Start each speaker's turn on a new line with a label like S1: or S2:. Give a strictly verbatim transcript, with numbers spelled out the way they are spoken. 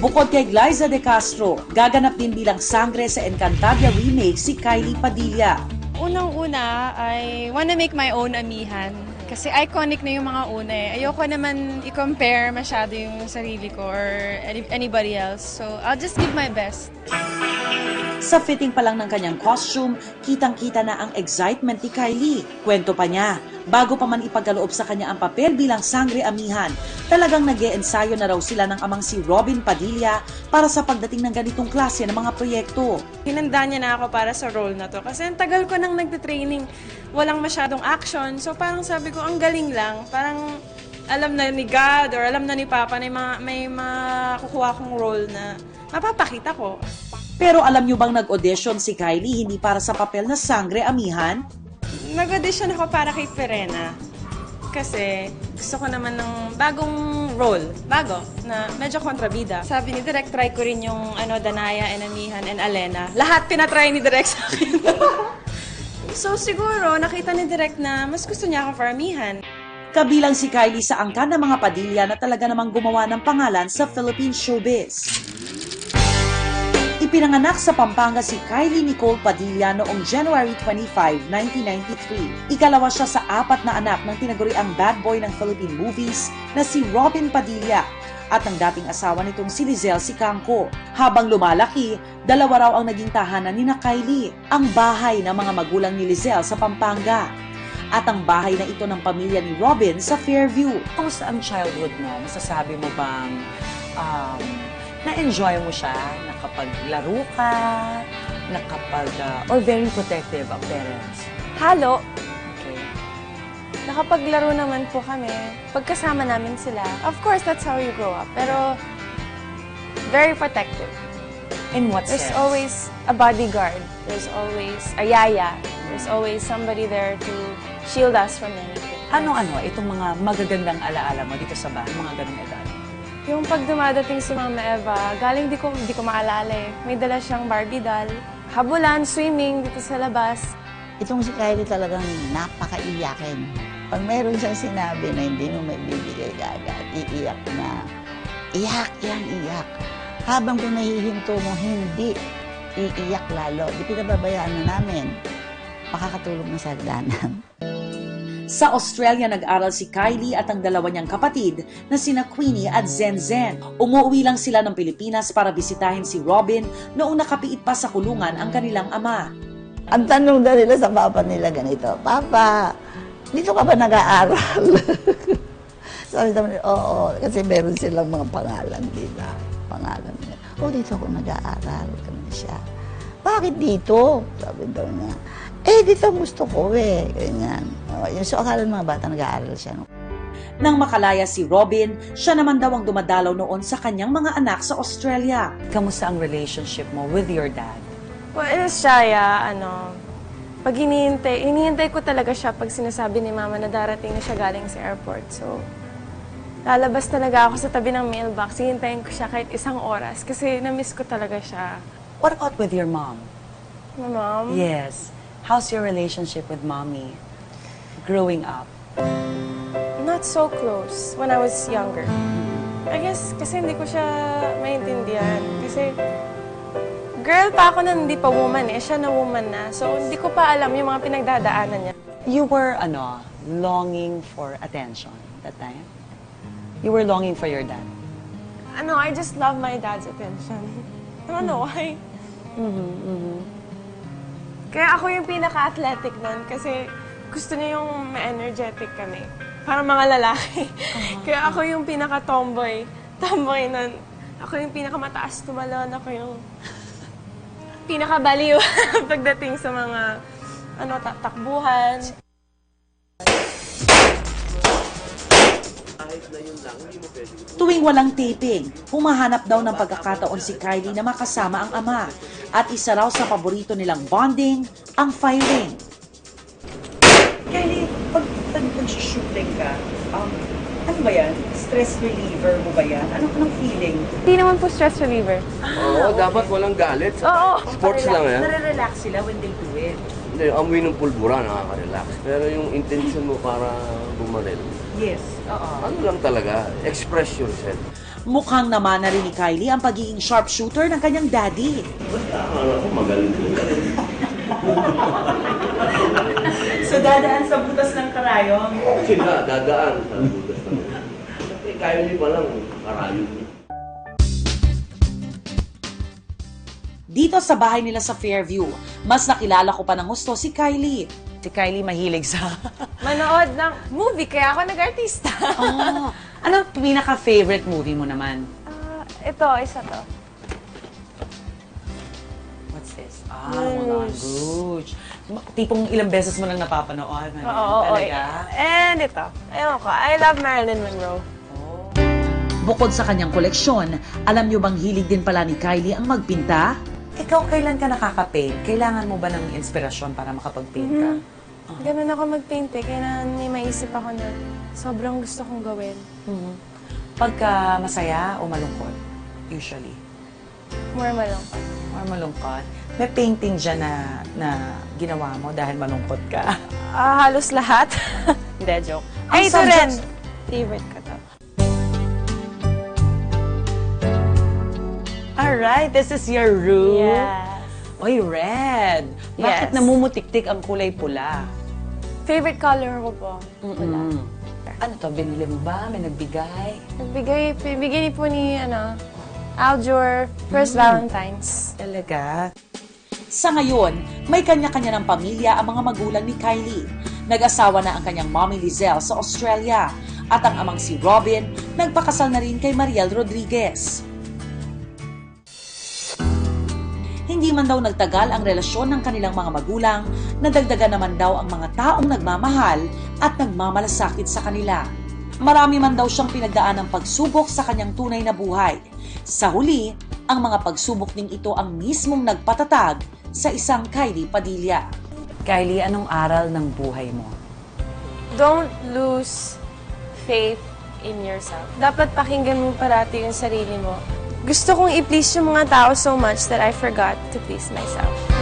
S1: Bukod kay Glyza De Castro, gaganap din bilang Sangre sa Encantadia remake si Kylie Padilla.
S2: Unang-una, I wanna make my own amihan. Kasi iconic na yung mga una eh. Ayoko naman i-compare masyado yung sarili ko or any- anybody else. So, I'll just give my best.
S1: Sa fitting pa lang ng kanyang costume, kitang-kita na ang excitement ni Kylie. Kwento pa niya, bago pa man ipagkaloob sa kanya ang papel bilang Sangre Amihan, talagang nag-e-ensayo na raw sila ng amang si Robin Padilla para sa pagdating ng ganitong klase ng mga proyekto.
S2: Hinanda niya na ako para sa role na to. Kasi ang tagal ko nang nagte-training, walang masyadong action. So parang sabi ko, ang galing lang. Parang alam na ni God or alam na ni Papa na may, mga, may makukuha kong role na mapapakita ko.
S1: Pero alam niyo bang nag-audition si Kylie hindi para sa papel na Sangre Amihan?
S2: Nag-audition ako para kay Perena. Kasi gusto ko naman ng bagong role. Bago, na medyo kontrabida. Sabi ni Direk, try ko rin yung ano, Danaya, and Amihan, and Alena. Lahat pinatry ni Direk sa akin. So siguro, nakita ni Direk na mas gusto niya ako for Amihan.
S1: Kabilang si Kylie sa angkan ng mga Padilla na talaga namang gumawa ng pangalan sa Philippine showbiz. Ipinanganak sa Pampanga si Kylie Nicole Padilla noong January twenty-fifth, nineteen ninety-three. Ikalawa siya sa apat na anak ng tinaguriang bad boy ng Philippine movies na si Robin Padilla at ang dating asawa nitong si Lizelle Sicangco. Habang lumalaki, dalawa raw ang naging tahanan ni na Kylie, ang bahay ng mga magulang ni Lizelle sa Pampanga at ang bahay na ito ng pamilya ni Robin sa Fairview.
S3: Kamusta ang childhood mo? Masasabi mo bang um, na-enjoy mo siya? Nakapaglaro ka? Nakapag, uh, or very protective ang parents?
S2: Halo.
S3: Okay.
S2: Nakapaglaro naman po kami. Pagkasama namin sila. Of course, that's how you grow up. Pero, very protective.
S3: In what
S2: There's
S3: sense?
S2: always a bodyguard. There's always a yaya. There's always somebody there to shield us from anything.
S3: Ano-ano, itong mga magagandang alaala mo dito sa bahay, mga ganong edad?
S2: Yung pag dumadating si Mama Eva, galing di ko, di ko maalala eh. May dala siyang Barbie doll. Habulan, swimming dito sa labas.
S4: Itong si Kylie talagang napakaiyakin. Pag meron siyang sinabi na hindi mo maibibigay agad, iiyak na. Iyak yan, iyak. Habang pinahihinto mo, hindi. Iiyak lalo. Di pinababayaan na namin. Makakatulog na sa hagdanan.
S1: Sa Australia nag-aral si Kylie at ang dalawa niyang kapatid na sina Queenie at Zen Zen. Umuwi lang sila ng Pilipinas para bisitahin si Robin noong nakapiit pa sa kulungan ang kanilang ama.
S4: Ang tanong na nila sa papa nila ganito, Papa, dito ka ba nag-aaral? Sabi naman, oo, kasi meron silang mga pangalan dito. Pangalan nila. Oh, dito ako nag-aaral. Ganun siya. Bakit dito? Sabi daw niya. Eh, dito gusto ko eh. Ganyan. O, yung so, akala ng mga bata nag-aaral siya. No?
S1: Nang makalaya si Robin, siya naman daw ang dumadalaw noon sa kanyang mga anak sa Australia.
S3: Kamusta ang relationship mo with your dad?
S2: Well, it is Shaya, ano, pag hinihintay, hinihintay ko talaga siya pag sinasabi ni Mama na darating na siya galing sa airport. So, lalabas talaga ako sa tabi ng mailbox. Hihintayin ko siya kahit isang oras kasi na-miss ko talaga siya.
S3: What about with your mom?
S2: My mom?
S3: Yes. How's your relationship with mommy growing up?
S2: Not so close when I was younger. I guess kasi hindi ko siya maintindihan. Kasi girl pa ako na hindi pa woman eh. Siya na woman na. So hindi ko pa alam yung mga pinagdadaanan niya.
S3: You were, ano, longing for attention that time? You were longing for your dad?
S2: Ano, I just love my dad's attention. I don't know why.
S3: Mm-hmm, mm-hmm.
S2: Kaya ako yung pinaka-athletic nun kasi gusto niya yung ma-energetic kami. Parang mga lalaki. Uh-huh. Kaya ako yung pinaka-tomboy. Tomboy nun. Ako yung pinaka-mataas tumalon. Ako yung pinaka-baliw pagdating sa mga ano, takbuhan.
S1: Tuwing walang taping, humahanap daw ng pagkakataon si Kylie na makasama ang ama. At isa raw sa paborito nilang bonding, ang firing.
S3: Kylie, pag, pag nag-shooting ka, um, ano ba yan? Stress reliever mo ba yan? Ano anong feeling?
S2: Hindi naman po stress reliever.
S5: Oo, dapat walang galit.
S2: Oo.
S5: Sports lang yan.
S3: Nare-relax sila when they do it.
S5: Hindi, amoy ng pulbura, nakaka-relax. Pero yung intention mo para bumaril,
S3: Yes. Oo.
S5: ano lang talaga, express yourself.
S1: Mukhang naman na rin ni Kylie ang pagiging sharpshooter ng kanyang daddy.
S5: Akala ko magaling ko.
S3: So, dadaan sa butas ng karayong.
S5: Sila, dadaan sa butas na. Eh, kaya niyo pa lang, karayon niyo.
S1: Dito sa bahay nila sa Fairview, mas nakilala ko pa ng gusto si Kylie.
S3: Si Kylie mahilig sa...
S2: Manood ng movie, kaya ako nag-artista.
S3: oh, ano ang pinaka-favorite movie mo naman?
S2: Ah, ito, isa to.
S3: What's this? Ah, Moulin Rouge. Tipong ilang beses mo lang napapanood.
S2: Oo, oo,
S3: talaga?
S2: And ito. Ayun ko, I love Marilyn Monroe.
S1: Bukod sa kanyang koleksyon, alam niyo bang hilig din pala ni Kylie ang magpinta?
S3: Ikaw, kailan ka nakaka-paint? Kailangan mo ba ng inspirasyon para makapag-paint ka?
S2: Ganun ako mag-paint eh. Kaya may maisip ako na sobrang gusto kong gawin.
S3: Mhm. Pagka masaya o malungkot, usually.
S2: More malungkot.
S3: Or malungkot. May painting dyan na, na ginawa mo dahil malungkot ka.
S2: Ah, halos lahat. Hindi, joke.
S3: Ang
S2: Ay, ito rin.
S3: subjects-
S2: Favorite ko to.
S3: Alright, this is your room.
S2: Yes.
S3: Oy, red. Bakit
S2: Yes.
S3: namumutiktik ang kulay pula?
S2: Favorite color ko po.
S3: Mm. Ano to, binili mo ba? May nagbigay?
S2: Nagbigay, bigay po ni, ano, Aljur, first Valentine's.
S3: Talaga?
S1: Sa ngayon, may kanya-kanya ng pamilya ang mga magulang ni Kylie. Nag-asawa na ang kanyang mommy Lizelle sa Australia at ang amang si Robin nagpakasal na rin kay Mariel Rodriguez. Hindi man daw nagtagal ang relasyon ng kanilang mga magulang, nadagdagan naman daw ang mga taong nagmamahal at nagmamalasakit sa kanila. Marami man daw siyang pinagdaan ng pagsubok sa kanyang tunay na buhay. Sa huli, ang mga pagsubok ding ito ang mismong nagpatatag sa isang Kylie Padilla.
S3: Kylie, anong aral ng buhay mo?
S2: Don't lose faith in yourself. Dapat pakinggan mo parati yung sarili mo. Gusto kong i-please yung mga tao so much that I forgot to please myself.